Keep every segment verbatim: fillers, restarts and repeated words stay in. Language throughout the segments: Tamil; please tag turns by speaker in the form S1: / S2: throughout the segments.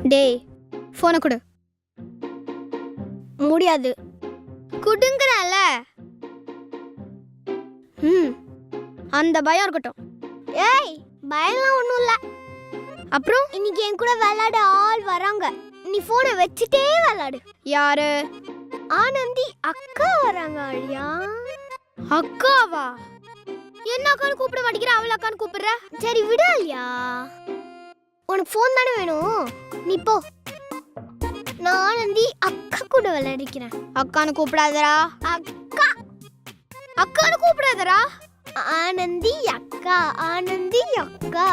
S1: டேய் போனை கொடு. முடியாது. குடுங்கறல. ம் அந்த பயம் இருக்கட்டும். ஏய் பயம்லாம் ஒண்ணும் இல்ல. அப்புறம் இன்னைக்கு என் கூட விளையாட ஆள் வராங்க. நீ போனை வச்சிட்டே விளையாடு. யாரு? ஆனந்தி அக்கா வராங்க. அழியா அக்காவா? என்ன அக்கான்னு கூப்பிட மாட்டேங்கிற, அவளை அக்கான்னு கூப்பிடுற. சரி விடு அழியா, உனக்கு போன் தானே வேணும், நீ போ. நான் ஆனந்தி அக்கா கூட விளையாடிக்கிறேன். அக்கான்னு கூப்பிடாதரா. அக்கா அக்கான்னு கூப்பிடாதரா. ஆனந்தி அக்கா, ஆனந்தி அக்கா.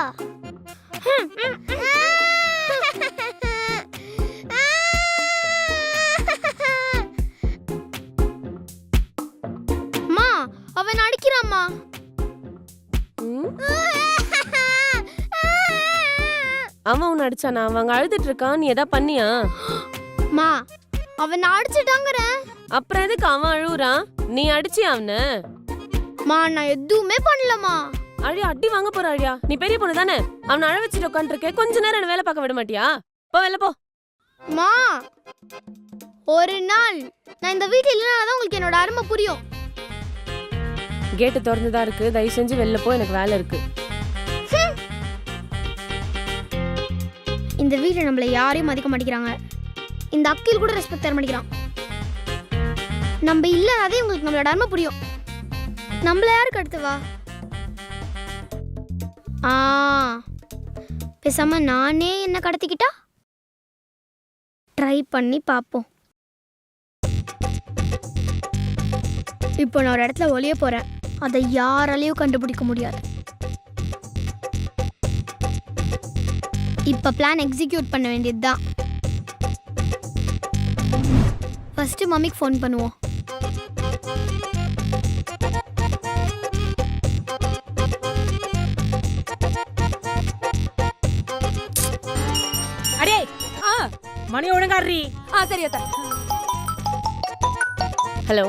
S1: அம்மா அவன் அடிக்கிறாம்மா.
S2: அவன் உன்னை அடிச்சானா? அவங்க அழுதுட்டு இருக்கான், நீ எதா பண்ணியா?
S1: மா அவன் அடிச்சிட்டாங்கற.
S2: அப்புறம் எதுக்கு அவன் அழுவுறான்? நீ அடிச்சியா அவனை?
S1: மா நான் எதுவுமே பண்ணலமா.
S2: அழியா அடி வாங்க போற அழியா, நீ பெரிய பொண்ணு தானே, அவனை அழ வச்சுட்டு உட்காந்துருக்க. கொஞ்ச நேரம் என்ன வேலை பார்க்க விட மாட்டியா? போ வெளில போ.
S1: மா ஒரு நாள் நான் இந்த வீட்டுல இல்லைனாதான் உங்களுக்கு என்னோட அருமை புரியும்.
S2: கேட்டு திறந்துதான் இருக்கு, தயவு செஞ்சு வெளில போ, எனக்கு வேலை இருக்கு.
S1: இந்த வீட்டுல நம்மள யாரையும் மதிக்க மாட்டேங்கிறாங்க. இந்த அக்கில் கூட ரெஸ்பெக்ட் தர மாட்டேங்கிறான். நம்ம இல்லைனாதே உங்களுக்கு நம்மளோட அருமை புரியும். நம்மள யாருக்கு அடுத்து வா? ஆ பேசாம நானே என்ன கடத்திக்கிட்டா ட்ரை பண்ணி பார்ப்போம். இப்போ நான் ஒரு இடத்துல ஒளிய போறேன், அதை யாராலையும் கண்டுபிடிக்க முடியாது. இப்ப பிளான் எக்ஸிக்யூட் பண்ண வேண்டியதுதான். ஃபர்ஸ்ட் மம்மிக்கு ஃபோன் பண்ணுவோம்.
S3: அடே ஆ மணி ஒழுங்காடுறி. ஆ சரி அத்த.
S2: ஹலோ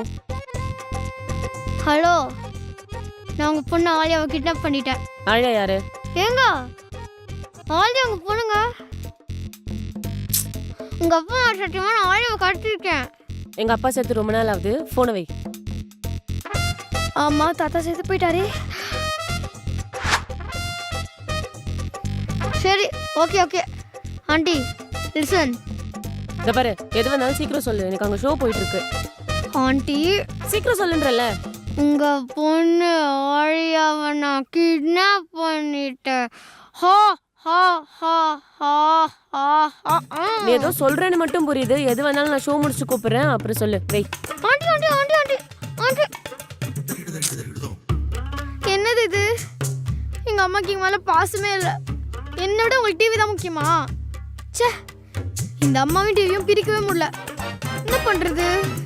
S1: ஹலோ, நான் உங்க பொண்ணு ஆலியாவை கிட்னாப் பண்ணிட்டேன்.
S2: ஆழியா யாரு?
S1: ஏங்க ஆலியா உங்க பொண்ணுங்க. உங்க அப்பா சத்தியமா நான் ஆலியாவை கடத்திருக்கேன்.
S2: எங்க அப்பா சேர்த்து ரொம்ப நாள் ஆகுது, போனை வை.
S1: ஆமா தாத்தா சேர்த்து போயிட்டாரு. சரி ஓகே ஓகே ஆண்டி லிசன்.
S2: இந்த பாரு, எது வந்தாலும் சீக்கிரம் சொல்லு, எனக்கு அங்க ஷோ போயிட்டு இருக்கு.
S1: ஆண்டி
S2: சீக்கிரம் சொல்லுன்றல.
S1: உங்க பொண்ணு ஆழியாவை நான் கிட்னாப் பண்ணிட்டேன். ஹா ஹா ஹா ஹா ஹா ஹா.
S2: நீ ஏதோ சொல்றேன்னு மட்டும் புரியுது, எது வந்தாலும் நான் ஷோ முடிச்சு கூப்பிடுறேன், அப்புறம் சொல்லு. வை.
S1: Aunty aunty aunty aunty aunty. என்னது இது? எங்க அம்மாக்கு எங்க மேல பாசமே இல்லை. என்னோட உங்களுக்கு டிவி தான் முக்கியமா? ச்சே, இந்த அம்மாவும் டிவியும் பிரிக்கவே முடியல. என்ன பண்றது?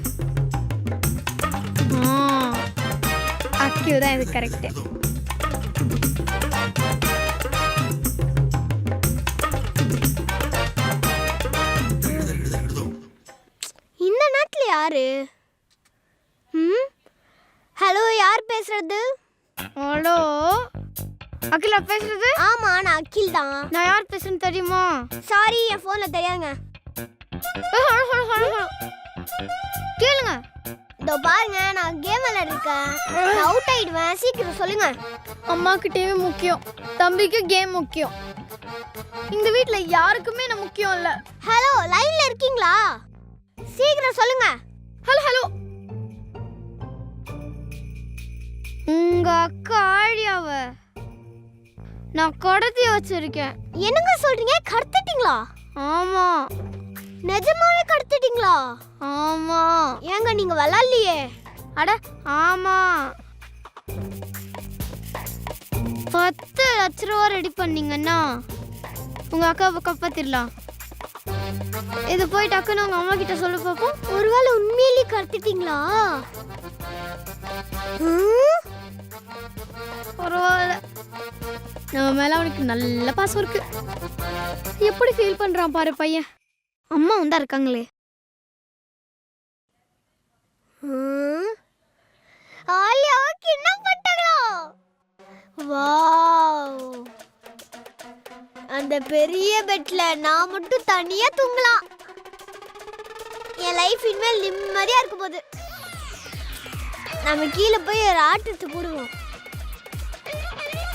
S1: அக்கியூ தான் இது கரெக்ட். இந்த நாட்டில் யாரு? ம் ஹலோ, யார் பேசுறது? ஹலோ அகிலா பேசுறது? ஆமா நான் அகில் தான். நான் யார் பேசுறேன்னு தெரியுமா? சாரி என் போன்ல தெரியாதுங்க. கேளுங்க. இதோ பாருங்க, நான் கேம் விளையாட இருக்கேன், அவுட் ஆயிடுவேன், சீக்கிரம் சொல்லுங்க. அம்மாக்கு டிவி முக்கியம், தம்பிக்கு கேம் முக்கியம். இந்த வீட்ல யாருக்குமே நான் முக்கியம் இல்ல. ஹலோ லைன்ல இருக்கீங்களா? சீக்கிரம் சொல்லுங்க. Hello hello. உங்க அக்கா ஆழியாவ நான் கடத்தி வச்சிருக்கேன். என்னங்க சொல்றீங்க? கடத்திட்டீங்களா? ஆமா. நிஜமாவே கடத்திட்டீங்களா? ஆமா. ஏங்க நீங்க விளையாடலையே? அட ஆமா. பத்து லட்ச ரூபா ரெடி பண்ணீங்கன்னா உங்க அக்காவை காப்பாத்திடலாம். இது போய் டக்குன்னு உங்க அம்மா கிட்ட சொல்ல பாப்போம். ஒருவேளை உண்மையிலேயே கடத்திட்டீங்களா? பரவாயில்ல, நம்ம மேல அவனுக்கு நல்ல பாசம் இருக்கு. எப்படி ஃபீல் பண்றான் பாரு பையன். அம்மா வந்தா இருக்காங்களே. ஆலியாவுக்கு என்ன பண்றாங்களோ? வாவ். அந்த பெரிய பெட்ல நான் மட்டும் தனியா தூங்கலாம். என் லைஃப் இனிமேல் நிம்மதியா இருக்கும் போது நம்ம கீழே போய் ஒரு ஆட்டத்தை போடுவோம்.